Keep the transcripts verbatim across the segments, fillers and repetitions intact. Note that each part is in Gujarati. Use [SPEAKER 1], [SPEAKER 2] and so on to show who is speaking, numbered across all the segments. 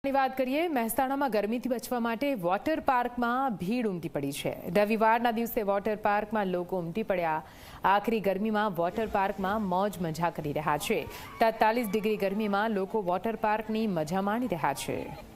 [SPEAKER 1] ની વાત કરીએ મહેસાણામાં ગરમીથી બચવા માટે વોટર પાર્કમાં ભીડ ઉમટી પડી છે। રવિવારના દિવસે વોટર પાર્કમાં લોકો ઉમટી પડ્યા। આખરી ગરમીમાં વોટર પાર્કમાં મોજ મજા કરી રહ્યા છે। તેતાલીસ ડિગ્રી ગરમીમાં લોકો વોટર પાર્કની મજા માણી રહ્યા છે।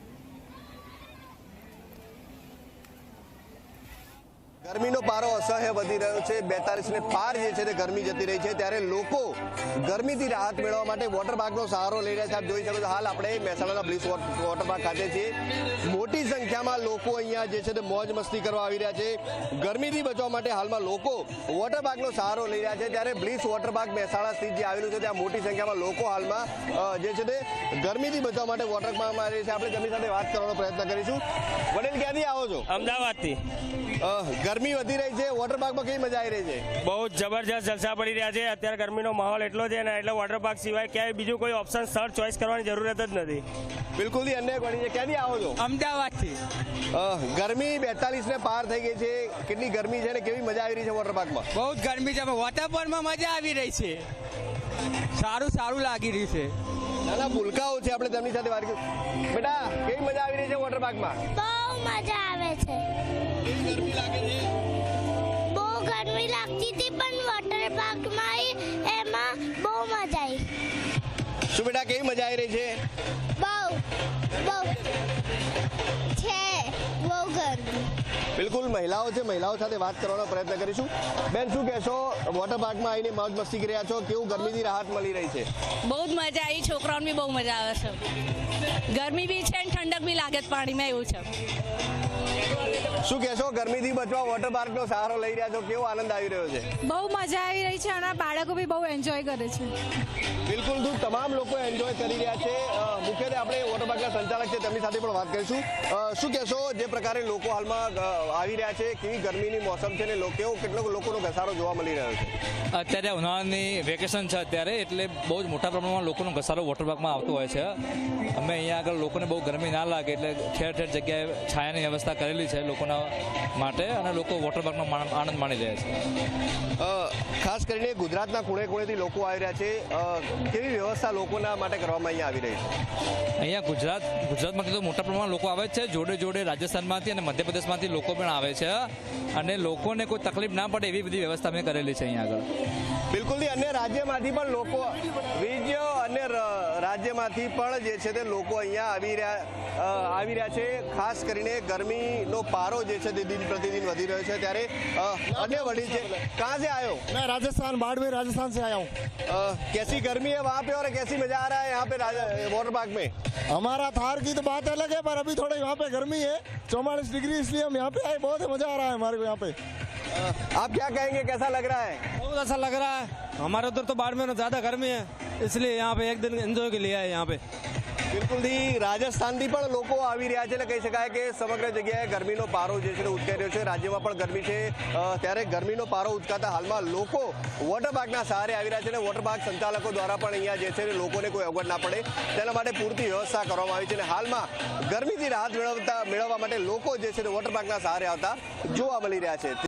[SPEAKER 2] ગરમીનો પારો અસહ્ય વધી રહ્યો છે। બેતાલીસ ને પાર જે છે તે ગરમી જતી રહી છે, ત્યારે લોકો ગરમીથી રાહત મેળવવા માટે વોટર પાર્કનો સહારો લઈ રહ્યા છે। આપ જોઈ શકો છો, હાલ આપણે મહેસાણાના બ્લીસ વોટર પાર્ક ખાતે છીએ। મોટી સંખ્યામાં લોકો અહીંયા જે છે તે મોજ મસ્તી કરવા આવી રહ્યા છે। ગરમીથી બચવા માટે હાલમાં લોકો વોટર પાર્કનો સહારો લઈ રહ્યા છે, ત્યારે બ્લીસ વોટર પાર્ક મહેસાણા સ્થિત જે આવેલું છે ત્યાં મોટી સંખ્યામાં લોકો હાલમાં જે છે તે ગરમીથી બચવા માટે વોટર પાર્કમાં આવી રહ્યા છે। આપણે તેમની સાથે વાત કરવાનો પ્રયત્ન કરીશું। વડીલ, ક્યાંથી આવો છો?
[SPEAKER 3] અમદાવાદથી।
[SPEAKER 2] ગરમી વધી રહી છે, વોટર પાર્કમાં કેવી મજા આવી રહી છે?
[SPEAKER 3] બહુ જબરજસ્ત જલસા પડી રહ્યા છે। અત્યારે ગરમીનો માહોલ એટલો છે ને, એટલે વોટર પાર્ક સિવાય ક્યાંય બીજું કોઈ ઓપ્શન સ્થળ ચોઈસ કરવાની જરૂરત જ નથી।
[SPEAKER 2] બિલકુલ અન્ય પડી છે। ક્યાંથી આવો છો?
[SPEAKER 4] અમદાવાદથી।
[SPEAKER 2] ગરમી બેતાલીસ ને પાર થઈ ગઈ છે, કેટલી ગરમી છે ને કેવી મજા આવી રહી છે વોટર પાર્કમાં?
[SPEAKER 4] બહુ જ ગરમી છે, વોટર પાર્કમાં મજા આવી રહી છે, સારું સારું લાગી રહ્યું છે।
[SPEAKER 2] નાના ભૂલકાઓ છે, આપણે તેમની સાથે વાત કરી। બેટા, કેવી મજા આવી રહી છે વોટર પાર્કમાં?
[SPEAKER 5] બહુ મજા આવે છે।
[SPEAKER 2] ગરમી લાગે છે?
[SPEAKER 5] બહુ ગરમી લાગતી હતી, પણ વોટર પાર્કમાં એમાં બહુ મજા આવી।
[SPEAKER 2] શું બેટા, કેવી મજા આવી રહી છે?
[SPEAKER 5] બહુ બહુ છે, બહુ ગરમી।
[SPEAKER 2] બિલકુલ મહિલાઓ છે, મહિલાઓ સાથે વાત કરવાનો પ્રયત્ન કરીશું। બેન, શું કહેશો? વોટર પાર્કમાં આવીને મોજ મસ્તી કરી રહ્યા છો, કેવું ગરમીથી રાહત મળી રહી છે?
[SPEAKER 6] બહુ જ મજા આવી, છોકરાઓને બી બહુ મજા આવે છે। ગરમી બી છે અને ઠંડક બી લાગે છે પાણીમાં, એવું છે।
[SPEAKER 2] શું કહેશો? ગરમીથી બચવા વોટર પાર્કનો સહારો લઈ રહ્યા છો, કેવો આનંદ આવી રહ્યો છે?
[SPEAKER 7] બહુ મજા આવી રહી છે અને બાળકો બી બહુ એન્જોય કરે છે।
[SPEAKER 2] બિલકુલ, દૂર તમામ લોકો એન્જોય કરી રહ્યા છે। મુખ્યત્વે આપણે વોટર પાર્કના સંચાલક છે તેમની સાથે પણ વાત કરીશું। શું કહેશો, જે પ્રકારે લોકો હાલમાં આવી રહ્યા છે, કેવી ગરમીની મોસમ છે ને કેવો કેટલો લોકોનો ઘસારો જોવા મળી રહ્યો છે?
[SPEAKER 8] અત્યારે ઉનાળાની વેકેશન છે અત્યારે, એટલે બહુ જ મોટા પ્રમાણમાં લોકોનો ઘસારો વોટર પાર્કમાં આવતો હોય છે। અમે અહીંયા આગળ લોકોને બહુ ગરમી ના લાગે એટલે ઠેર ઠેર જગ્યાએ છાયાની વ્યવસ્થા કરેલી છે લોકોના માટે, અને લોકો વોટર પાર્કનો આનંદ માણી રહ્યા છે।
[SPEAKER 2] ખાસ કરીને ગુજરાતના ખૂણે ખૂણેથી લોકો આવી રહ્યા છે, કેવી વ્યવસ્થા લોકોના માટે કરવામાં અહીંયા આવી રહી છે?
[SPEAKER 8] અહીંયા ગુજરાત ગુજરાતમાંથી તો મોટા પ્રમાણમાં લોકો આવે છે, જોડે જોડે રાજસ્થાનમાંથી અને મધ્યપ્રદેશમાંથી લોકો પણ આવે છે, અને લોકોને કોઈ તકલીફ ના પડે એવી બધી વ્યવસ્થા અમે કરેલી છે અહીંયા આગળ।
[SPEAKER 2] બિલકુલ, અન્ય રાજ્યમાંથી પણ લોકો બીજો અન્ય રાજ્યમાંથી પણ જે છે તે લોકો અહીંયા આવી રહ્યા આવી રહ્યા છે। ખાસ કરીને ગરમીનો પારો જે છે તે દિન પ્રતિદિન વધી રહ્યો છે, ત્યારે અન્ય વડીલ છે। कहाँ से आए हो?
[SPEAKER 9] मैं राजस्थान, बाड़मेर राजस्थान से आया हूँ।
[SPEAKER 2] कैसी गर्मी है वहाँ पे और कैसी मजा आ रहा है यहाँ पे वाटर पार्क में?
[SPEAKER 9] हमारा थार की तो बात अलग है, पर अभी थोड़ी यहाँ पे गर्मी है, चौवालीस डिग्री, इसलिए हम यहाँ पे आए। बहुत मजा आ रहा है हमारे को यहाँ पे।
[SPEAKER 2] आप क्या कहेंगे, कैसा लग रहा है?
[SPEAKER 4] बहुत अच्छा लग रहा है। हमारे उधर तो बाड़मेर में ज्यादा गर्मी है, इसलिए यहाँ पे एक दिन एंजॉय के लिए आए यहाँ पे।
[SPEAKER 2] બિલકુલથી રાજસ્થાનથી પણ લોકો આવી રહ્યા છે, એટલે કહી શકાય કે સમગ્ર જગ્યાએ ગરમીનો પારો જે છે તે ઉચકાઈ રહ્યો છે। રાજ્યમાં પણ ગરમી છે, ત્યારે ગરમીનો પારો ઉચકાતા હાલમાં લોકો વોટર પાર્કના સહારે આવી રહ્યા છે, અને વોટર પાર્ક સંચાલકો દ્વારા પણ અહીંયા જે છે લોકોને કોઈ અગવડ ના પડે તેના માટે પૂરતી વ્યવસ્થા કરવામાં આવી છે, અને હાલમાં ગરમીથી રાહત મેળવતા મેળવવા માટે લોકો જે છે તે વોટર પાર્કના સહારે આવતા જોવા મળી રહ્યા છે।